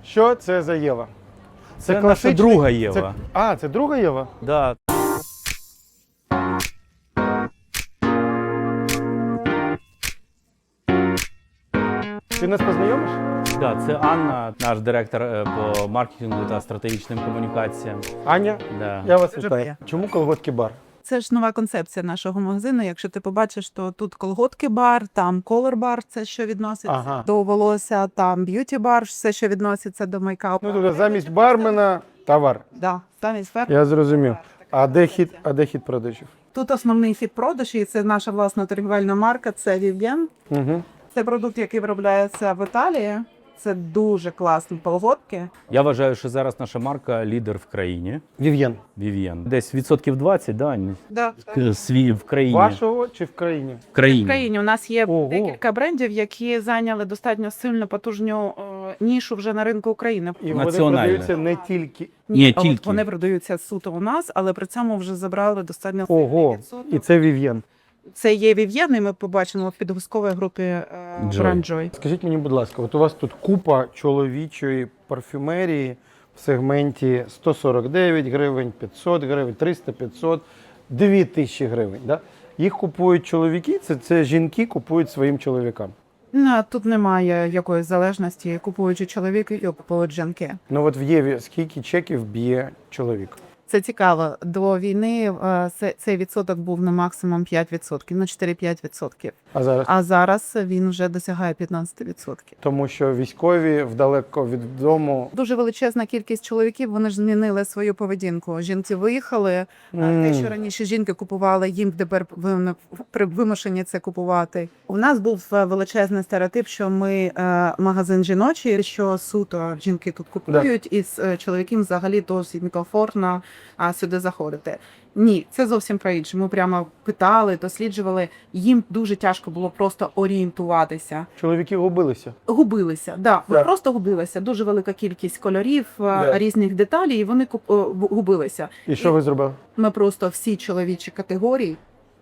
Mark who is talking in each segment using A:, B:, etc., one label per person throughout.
A: Що це за Єва?
B: Це наша
A: класичний-
B: друга Єва.
A: Це друга Єва?
B: Да.
A: Ти нас познайомиш?
B: Да, це Анна, наш директор по маркетингу та стратегічним комунікаціям.
A: Аня,
B: Да.
A: я вас
C: Дуже
A: вітаю.
C: приємно.
A: Чому колготки бар?
C: Це ж нова концепція нашого магазину. Якщо ти побачиш, то тут колготки-бар, там колор-бар, це що відноситься
A: Ага.
C: до волосся, там б'юті-бар, все, що відноситься до мейкапу.
A: Ну, тобто замість бармена товар.
C: Да, замість фер.
A: Я зрозумів. А де хід продажів?
C: Тут основний хід продажі, і це наша власна торгівельна марка, це Vivienne.
A: Угу.
C: Це продукт, який виробляється в Італії. Це дуже класні колготки.
B: Я вважаю, що зараз наша марка лідер в країні.
A: Вів'єн.
B: Vivienne. Десь відсотків 20, да,
C: Да.
B: в країні.
A: Вашого чи в країні?
B: В країні.
C: В країні у нас є
A: Ого.
C: декілька брендів, які зайняли достатньо сильно потужну нішу вже на ринку України.
A: І вони
B: Національне.
A: продаються не тільки.
B: Ні,
C: от
B: тільки.
C: вони продаються суто у нас, але при цьому вже забрали достатньо
A: Ого,
C: сильний відсоток.
A: і це Вів'єн.
C: Це є Vivienne, і ми побачимо в підгузковій групі
B: Joy.
C: бренд Joy.
A: Скажіть мені, будь ласка, от у вас тут купа чоловічої парфюмерії в сегменті 149 гривень, 500 гривень, 300, 500, 2000 гривень. Да? Їх купують чоловіки, це жінки купують своїм чоловікам.
C: Тут немає якоїсь залежності, купуючи чоловіки і купують жінки.
A: Ну от в Єві скільки чеків б'є чоловік?
C: Це цікаво. До війни цей відсоток був на максимум 5%, на 4-5%.
A: А зараз?
C: А зараз він вже досягає 15%.
A: Тому що військові вдалеко від дому.
C: Дуже величезна кількість чоловіків, вони ж змінили свою поведінку. Жінки виїхали, те, що раніше жінки купували, їм тепер вимушені це купувати. У нас був величезний стереотип, що ми магазин жіночий, що суто жінки тут купують, і з чоловіків взагалі досить некомфортно сюди заходити. Ні, це зовсім про інше. Ми прямо питали, досліджували. Їм дуже тяжко було просто орієнтуватися.
A: Чоловіки губилися.
C: Губилися,
A: Так.
C: просто губилися. Дуже велика кількість кольорів, різних деталей, і вони губилися.
A: І що ви зробили?
C: Ми просто всі чоловічі категорії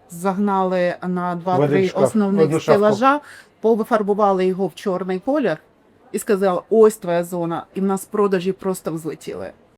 C: загнали на
A: В один
C: 2-3
A: шкаф, в одну
C: основних
A: шафку.
C: стелажа, повифарбували його в чорний колір і сказали, ось твоя зона. І в нас продажі просто взлетіли.